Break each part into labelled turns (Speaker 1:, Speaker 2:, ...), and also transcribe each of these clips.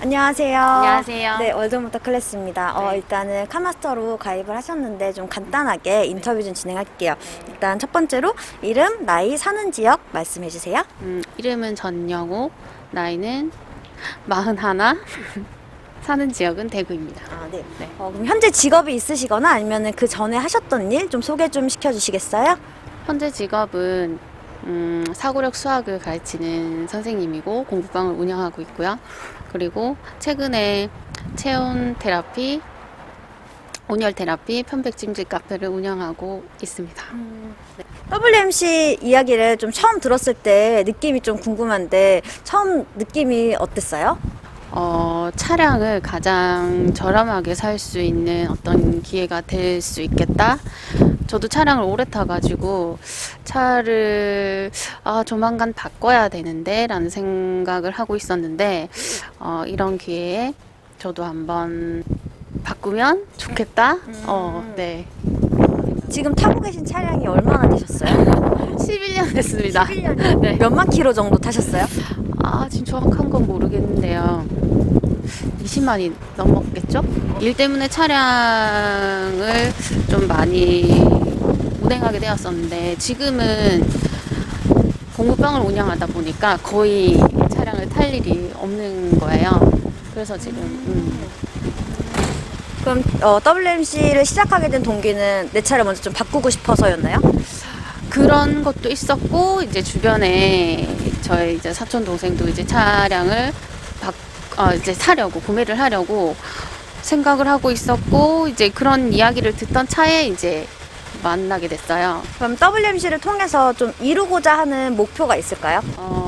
Speaker 1: 안녕하세요.
Speaker 2: 안녕하세요.
Speaker 1: 네, 월드모터 클래스입니다.
Speaker 2: 네.
Speaker 1: 일단은 카마스터로 가입을 하셨는데 좀 간단하게 인터뷰 좀 진행할게요. 일단 첫 번째로 이름, 나이, 사는 지역 말씀해 주세요.
Speaker 2: 이름은 전영욱, 나이는 41, 사는 지역은 대구입니다.
Speaker 1: 아, 네.
Speaker 2: 네.
Speaker 1: 그럼 현재 직업이 있으시거나 아니면 그 전에 하셨던 일 좀 소개 좀 시켜주시겠어요?
Speaker 2: 현재 직업은 사고력 수학을 가르치는 선생님이고 공부방을 운영하고 있고요. 그리고 최근에 체온 테라피, 온열 테라피, 편백찜질 카페를 운영하고 있습니다.
Speaker 1: WMC 이야기를 좀 처음 들었을 때 느낌이 좀 궁금한데 처음 느낌이 어땠어요?
Speaker 2: 차량을 가장 저렴하게 살 수 있는 어떤 기회가 될 수 있겠다. 저도 차량을 오래 타가지고 차를 조만간 바꿔야 되는데 라는 생각을 하고 있었는데 이런 기회에 저도 한번 바꾸면 좋겠다. 네.
Speaker 1: 지금 타고 계신 차량이 얼마나 되셨어요?
Speaker 2: 11년 됐습니다.
Speaker 1: 11년.
Speaker 2: 네.
Speaker 1: 몇만 킬로 정도 타셨어요?
Speaker 2: 지금 정확한 건 모르겠는데요. 20만이 넘었겠죠? 일 때문에 차량을 좀 많이 운행하게 되었었는데 지금은 공부방을 운영하다 보니까 거의 차량을 탈 일이 없는 거예요. 그래서 지금
Speaker 1: 그럼 WMC를 시작하게 된 동기는 내 차를 먼저 좀 바꾸고 싶어서였나요?
Speaker 2: 그런 것도 있었고 이제 주변에 저희 이제 사촌 동생도 이제 차량을 이제 사려고 구매를 하려고 생각을 하고 있었고 이제 그런 이야기를 듣던 차에 이제 만나게 됐어요.
Speaker 1: 그럼 WMC를 통해서 좀 이루고자 하는 목표가 있을까요?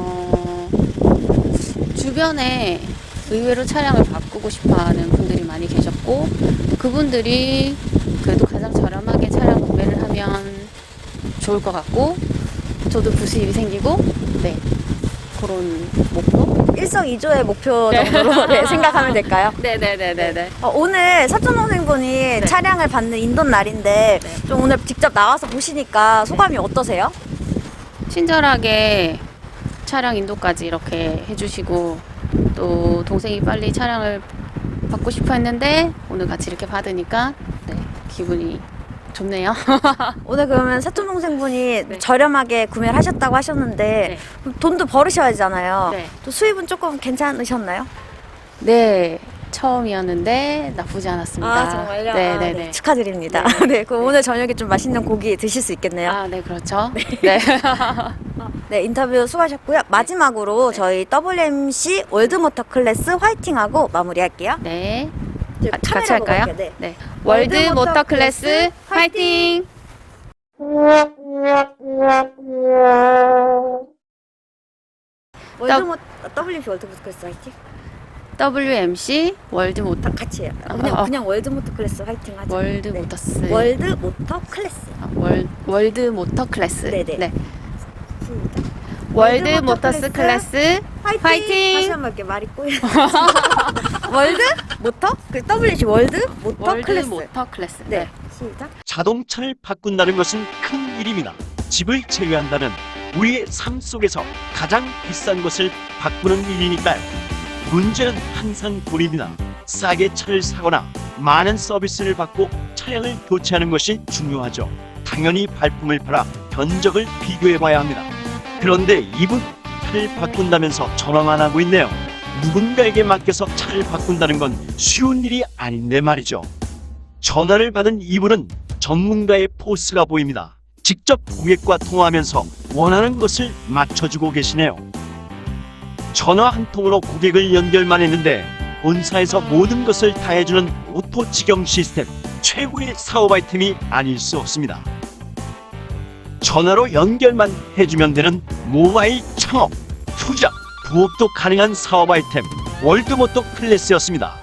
Speaker 2: 주변에 의외로 차량을 바꾸고 싶어하는 분들이 많이 계셨고 그분들이 그래도 가장 저렴하게 차량 구매를 하면 좋을 것 같고 저도 부수입이 생기고 네 그런 목표?
Speaker 1: 일석이조의 목표 정도로 네, 생각하면 될까요?
Speaker 2: 네네네네네.
Speaker 1: 오늘 사촌동생분이 차량을 받는 인도는 날인데
Speaker 2: 네.
Speaker 1: 좀 오늘 직접 나와서 보시니까 소감이 어떠세요?
Speaker 2: 친절하게 차량 인도까지 이렇게 해주시고 또 동생이 빨리 차량을 받고 싶어 했는데 오늘 같이 이렇게 받으니까 네, 기분이 좋네요.
Speaker 1: 오늘 그러면 사촌동생분이
Speaker 2: 네.
Speaker 1: 저렴하게 구매를 하셨다고 하셨는데
Speaker 2: 네.
Speaker 1: 그럼 돈도 벌으셔야 되잖아요.
Speaker 2: 네.
Speaker 1: 또 수입은 조금 괜찮으셨나요?
Speaker 2: 네, 처음이었는데 나쁘지 않았습니다. 네네네.
Speaker 1: 네, 축하드립니다. 네, 그럼 오늘 저녁에 좀 맛있는 고기 드실 수 있겠네요.
Speaker 2: 네, 그렇죠. 네.
Speaker 1: 네, 인터뷰 수고하셨고요. 마지막으로 저희 WMC 월드모터 클래스 화이팅하고 마무리할게요.
Speaker 2: 네.
Speaker 1: 저
Speaker 2: 같이
Speaker 1: 카메라 보고
Speaker 2: 할까요?
Speaker 1: 할게요. 네.
Speaker 2: 네. 월드 모터 클래스 화이팅!
Speaker 1: WMC 월드모터 클래스 화이팅?
Speaker 2: WMC 월드 모터
Speaker 1: 다 같이 해요. 그냥 월드모터 클래스 화이팅 하죠.
Speaker 2: 월드
Speaker 1: 네.
Speaker 2: 모터스
Speaker 1: 월드모터 클래스.
Speaker 2: 월드 모터 클래스.
Speaker 1: 네네.
Speaker 2: 네.
Speaker 1: 시작.
Speaker 2: 월드 모터스 클래스
Speaker 1: 화이팅!
Speaker 2: 화이팅!
Speaker 1: 다시 한번 이렇게 말이 꼬여. 월드 모터? 그 WMC 월드 모터
Speaker 2: 월드
Speaker 1: 클래스.
Speaker 2: 모터 클래스.
Speaker 1: 네. 시작.
Speaker 3: 자동차를 바꾼다는 것은 큰 일입니다. 집을 제외한다면 우리의 삶 속에서 가장 비싼 것을 바꾸는 일이니까요. 문제는 항상 돈입니다. 싸게 차를 사거나 많은 서비스를 받고 차량을 교체하는 것이 중요하죠. 당연히 발품을 팔아 견적을 비교해봐야 합니다. 그런데 이분 차를 바꾼다면서 전화만 하고 있네요. 누군가에게 맡겨서 차를 바꾼다는 건 쉬운 일이 아닌데 말이죠. 전화를 받은 이분은 전문가의 포스가 보입니다. 직접 고객과 통화하면서 원하는 것을 맞춰주고 계시네요. 전화 한 통으로 고객을 연결만 했는데 본사에서 모든 것을 다 해주는 오토 직영 시스템, 최고의 사업 아이템이 아닐 수 없습니다. 전화로 연결만 해주면 되는 모바일 창업, 투자, 부업도 가능한 사업 아이템 월드모터 클래스였습니다.